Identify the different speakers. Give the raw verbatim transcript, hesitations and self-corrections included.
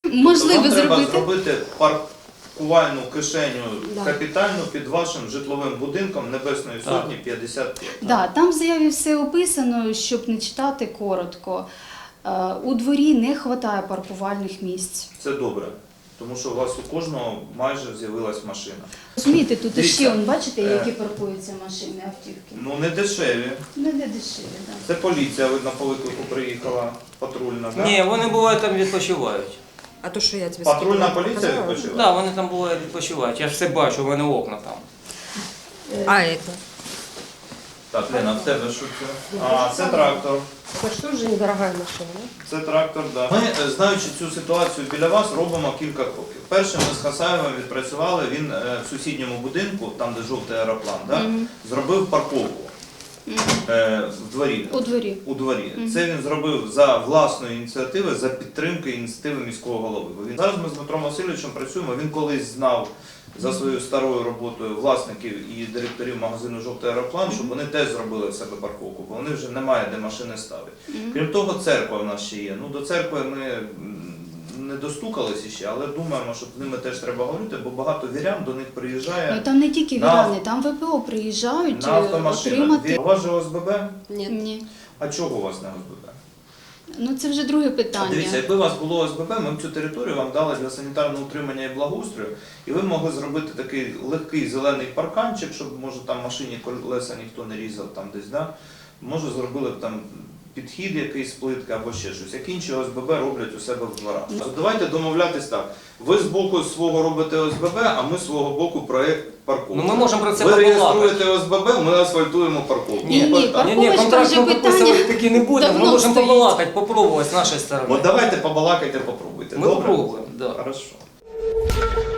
Speaker 1: Можливо,
Speaker 2: тобто вам
Speaker 1: зробити.
Speaker 2: треба зробити паркувальну кишеню
Speaker 3: Да.
Speaker 2: капітальну під вашим житловим будинком Небесної
Speaker 4: Так.
Speaker 2: Сотні п'ятдесят п'ять.
Speaker 1: Да, там в заяві все описано, щоб не читати коротко. Е, У дворі не вистачає паркувальних місць.
Speaker 2: Це добре, тому що у вас у кожного майже з'явилась машина.
Speaker 1: Розумієте, тут
Speaker 2: Дивіться,
Speaker 1: ще, он, бачите,
Speaker 2: е,
Speaker 1: які паркуються машини, автівки.
Speaker 2: Ну не дешеві.
Speaker 1: Не де дешеві, так.
Speaker 2: Це поліція, видно, по виклику приїхала, патрульна, так?
Speaker 4: Ні, вони бувають там відпочивають.
Speaker 3: А то, що я тобі
Speaker 2: Патрульна
Speaker 3: скидала,
Speaker 2: поліція
Speaker 3: показала?
Speaker 4: Так,
Speaker 2: відпочиває?
Speaker 4: да, вони там бувають відпочивають. Я ж все бачу, у мене окна там.
Speaker 3: А, это?
Speaker 2: Так, Лена, в тебе що це? А, це трактор.
Speaker 3: Это же тоже недорогая машина, да?
Speaker 2: Це трактор, так. Да. Ми, е, знаючи цю ситуацію біля вас, робимо кілька кроків. Перше, ми з Хасаєвим відпрацювали, він е, в сусідньому будинку, там де жовтий аероплан, да, зробив парковку е, в дворі.
Speaker 1: У дворі.
Speaker 2: У дворі. Це він зробив за власної ініціативи, за підтримки ініціативи міського голови. Бо він зараз ми з Дмитром Васильовичем працюємо. Він колись знав за своєю старою роботою власників і директорів магазину «Жовтий аероплан», щоб вони теж зробили в себе парковку, бо вони вже немає де машини ставити. Крім того, церква в нас ще є. Ну, до церкви ми м, не достукалися ще, але думаємо, що з ними теж треба говорити, бо багато вірян до них приїжджає
Speaker 1: Ну, там не тільки
Speaker 2: на-
Speaker 1: вірани, там ВПО приїжджають
Speaker 2: на
Speaker 1: е,
Speaker 2: автомашинах.
Speaker 1: отримати.
Speaker 2: У вас же О С Б Б?
Speaker 3: Нет.
Speaker 1: Ні.
Speaker 2: А чого у вас не О С Б Б?
Speaker 1: Ну це вже друге питання.
Speaker 2: Дивіться, якби у вас було О С Б Б, ми б цю територію вам дали для санітарного утримання і благоустрою, і ви могли зробити такий легкий зелений парканчик, щоб, може, там машині колеса ніхто не різав там десь, да? Може, зробили б там підхід якийсь з плитки або ще щось. Як інші О С Б Б роблять у себе в дворах.
Speaker 1: Ну.
Speaker 2: Давайте домовлятись так. Ви з боку свого робите О С Б Б, а ми з свого боку проєкт парковки.
Speaker 4: Ну ми можемо про це
Speaker 2: Ви
Speaker 4: побалакати.
Speaker 2: реєструєте О С Б Б, ми асфальтуємо парковку.
Speaker 1: Ні, ні,
Speaker 2: Отак.
Speaker 4: Ні, ні,
Speaker 1: Парковочка
Speaker 4: контракт
Speaker 1: вже
Speaker 4: ми
Speaker 1: питання
Speaker 4: підписувати таки не будемо, ми
Speaker 1: давно
Speaker 4: можемо
Speaker 1: стоїть.
Speaker 4: побалакати, попробувати з нашої сторони.
Speaker 2: От давайте побалакайте, попробуйте.
Speaker 4: Ми
Speaker 2: Добре?
Speaker 4: попробуємо, да.
Speaker 2: Хорошо.